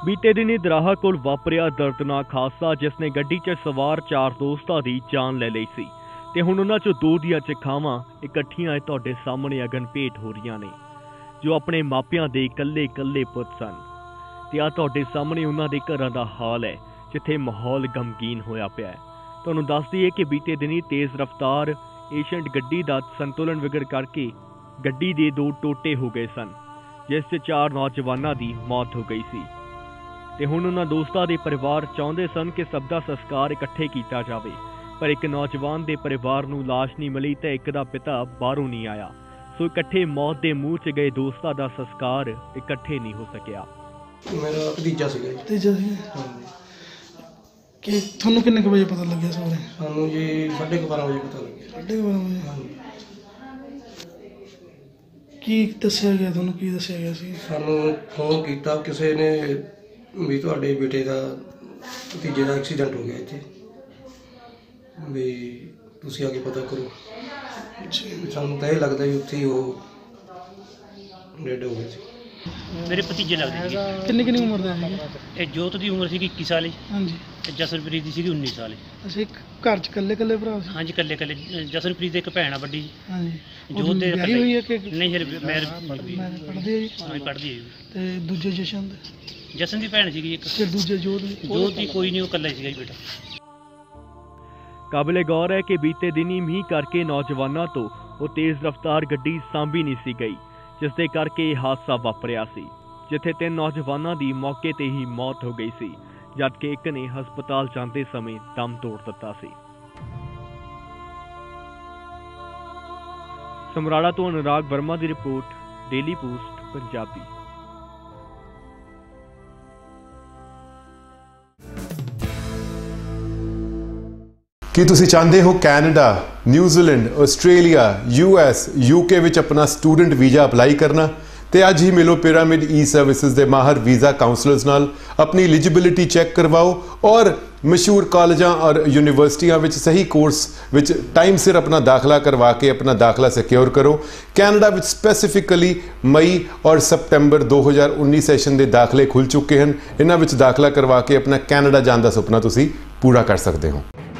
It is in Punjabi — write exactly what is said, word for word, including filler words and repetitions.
बीते दिनी दराहा कोल वापरिया दर्दनाक हादसा जिसने गड्डी च सवार चार दोस्तां दी जान ले लई सी ते हुण उन्हां चों दो दियां चिखावां इकट्ठियां तुहाडे सामने अगन भेट हो रहीआं ने जो अपने मापियां दे कल्ले कल्ले पुत्त सन ते आ तुहाडे सामने उन्हां दे घरां दा हाल है जिथे माहौल गमगीन होया पिया है। तुहानूं दस दईए कि बीते दिनी तेज़ रफ्तार एशियंट गड्डी दा संतुलन विगड़ करके गड्डी दे दो टोटे हो गए सन जिस च चार नौजवानां दी मौत हो गई सी ते हुण उन्हां दोस्तां दे परिवार चाहुंदे सन कि सब दा संस्कार इकट्ठे कीता जावे पर एक नौजवान दे परिवार नूं लाश नहीं मिली ते एक दा पिता बाहरों नहीं आया, सो इकट्ठे मौत दे मूंह च गए दोस्तां दा संस्कार इकट्ठे नहीं हो सकिया। मेरा भतीजा सीगा जी। भतीजा सीगा कि ਤੁਹਾਨੂੰ ਕਿੰਨੇ ਵਜੇ ਪਤਾ ਲੱਗਿਆ ਸਵੇਰੇ? ਸਾਨੂੰ ਜੀ साढ़े बारह ਵਜੇ ਪਤਾ ਲੱਗਿਆ। साढ़े बारह ਵਜੇ ਕੀ ਦੱਸਿਆ ਗਿਆ ਤੁਹਾਨੂੰ? ਕੀ ਦੱਸਿਆ ਗਿਆ ਸੀ? ਸਾਨੂੰ ਫੋਨ ਕੀਤਾ ਕਿਸੇ ਨੇ ਵੀ ਤੁਹਾਡੇ ਬੇਟੇ ਦਾ ਭਤੀਜੇ ਦਾ ਐਕਸੀਡੈਂਟ ਹੋ ਗਿਆ ਇੱਥੇ ਵੀ ਤੁਸੀਂ ਆ ਕੇ ਪਤਾ ਕਰੋ। ਸਾਨੂੰ ਤਾਂ ਇਹ ਲੱਗਦਾ ਵੀ ਉੱਥੇ ਹੀ ਉਹ ਡੈਡ ਹੋ ਗਏ ਸੀ। मेरे भतीजे लगते थे। ਕਿੰਨੀ ਕਿੰਨੀ ਉਮਰ ਦਾ ਸੀ? ਇਹ ਜੋਤ ਦੀ ਉਮਰ ਸੀ ਇੱਕੀ ਸਾਲ। ਹਾਂਜੀ। ਤੇ ਜਸਨਪ੍ਰੀਤ ਦੀ ਸੀ ਉੱਨੀ ਸਾਲ। ਅਸੀਂ ਘਰ ਚ ਇਕੱਲੇ ਇਕੱਲੇ ਭਰਾ ਸੀ? ਹਾਂਜੀ ਇਕੱਲੇ ਇਕੱਲੇ। ਜਸਨਪ੍ਰੀਤ ਦੀ ਇੱਕ ਭੈਣ ਆ ਵੱਡੀ। ਹਾਂਜੀ। ਜੋਤ ਦੇ ਵਿਆਹੀ ਹੋਈ ਹੈ ਕਿ ਨਹੀਂ? ਹਲੇ ਮੈਰਿਜ ਪੜ੍ਹਦੀ ਹੈ ਜੀ। ਹਾਂ ਪੜ੍ਹਦੀ ਹੈ। ਤੇ ਦੂਜੇ ਜਸ਼ਨ ਦੇ? ਜਸਨ ਦੀ ਭੈਣ ਸੀਗੀ ਇੱਕ। ਤੇ ਦੂਜੇ ਜੋਤ ਦੀ? ਜੋਤ ਦੀ ਕੋਈ ਨਹੀਂ, ਉਹ ਇਕੱਲਾ ਹੀ ਸੀਗਾ ਜੀ ਬੇਟਾ। काबिले गौर है कि बीते दिन ही मीह करके नौजवानों तो वो तेज रफ्तार गड्डी सांभी नहीं सी गई जिसके करके यह हादसा वापरिया सी जिथे तीन नौजवानों की मौके ते ही मौत हो गई सी जबकि एक ने हस्पताल जाते समय दम तोड़ दिता सी। समराला तो अनुराग वर्मा की रिपोर्ट, डेली पोस्ट पंजाबी। ਕੀ ਤੁਸੀਂ ਚਾਹੁੰਦੇ ਹੋ Canada, New Zealand, Australia, U S, U K ਵਿੱਚ ਆਪਣਾ ਸਟੂਡੈਂਟ ਵੀਜ਼ਾ ਅਪਲਾਈ ਕਰਨਾ? ਤੇ ਅੱਜ ਹੀ ਮਿਲੋ ਪਿਰਾਮਿਡ ਈ ਸਰਵਿਸਿਜ਼ ਦੇ ਮਾਹਰ ਵੀਜ਼ਾ ਕਾਉਂਸਲਰਸ ਨਾਲ, ਆਪਣੀ ਐਲੀਜੀਬਿਲਿਟੀ ਚੈੱਕ ਕਰਵਾਓ ਔਰ ਮਸ਼ਹੂਰ ਕਾਲਜਾਂ ਔਰ ਯੂਨੀਵਰਸਿਟੀਆਂ ਵਿੱਚ ਸਹੀ ਕੋਰਸ ਵਿੱਚ ਟਾਈਮ ਸਿਰ ਆਪਣਾ ਦਾਖਲਾ ਕਰਵਾ ਕੇ ਆਪਣਾ ਦਾਖਲਾ ਸਿਕਿਉਰ ਕਰੋ। ਕੈਨੇਡਾ ਵਿੱਚ ਸਪੈਸੀਫਿਕਲੀ ਮਈ ਔਰ ਸਪਟੈਂਬਰ ਦੋ ਹਜ਼ਾਰ ਉੱਨੀ ਸੈਸ਼ਨ ਦੇ ਦਾਖਲੇ ਖੁੱਲ੍ਹ ਚੁੱਕੇ ਹਨ। ਇਹਨਾਂ ਵਿੱਚ ਦਾਖਲਾ ਕਰਵਾ ਕੇ ਆਪਣਾ ਕੈਨੇਡਾ ਜਾਣ ਦਾ ਸੁਪਨਾ ਤੁਸੀਂ ਪੂਰਾ ਕਰ ਸਕਦੇ ਹੋ।